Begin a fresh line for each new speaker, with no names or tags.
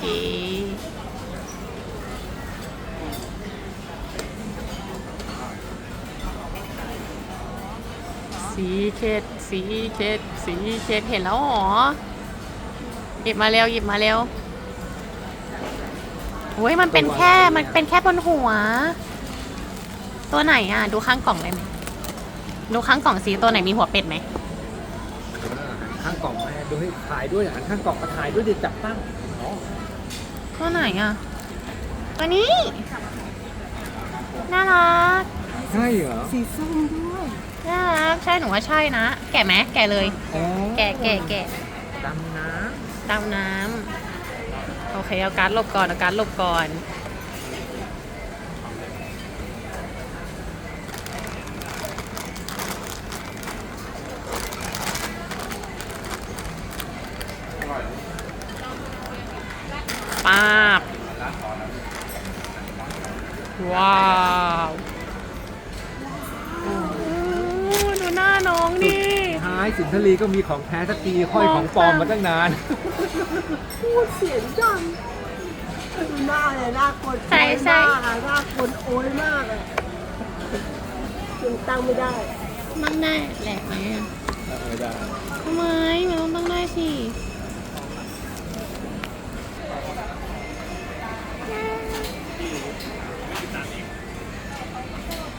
สีเข็ดสีเข็ดสีเข็ดเห็นแล้วหรอหยิบมาเร็วหยิบมาเร็วโอ้ยมันเป็นแค่บนหัวตัวไหนอ่ะดูข้างกล่องได้ไหมดูข้างกล่องสีตัวไหนมีหัวเป็ดไหม
ข้างกล่องแม่ดูให้ถ่ายด้วยอ่ะข้างกล่องมาถ่ายด้วยเดี๋ยวจับตั้ง
ตัวไหนอ่ะตัวนี้น่ารัก
ใช่เหรอ
สีส้มด้วย
น่ารักใช่หนูว่าใช่นะแกะไหมแกะเลยแกะ
ดำน้
ำโอเคเอาการ์ดหลบก่อนเอาการ์ดหลบก่อนป๊าบว้าวดูหน้าน้องดิ
ท้ายสุนทรีก็มีของแท้สักทีค่อยของปลอมมาตั้งนาน
พูดเสียงดังดูหน้าเลยหน้าคน
ใช่
หน้าคนโอยมากเลยยังตั้งไม่ได้
ตั้งได้แหลกไหม
ไม่ได้
ทำไมมันต้องตั้งได้สิ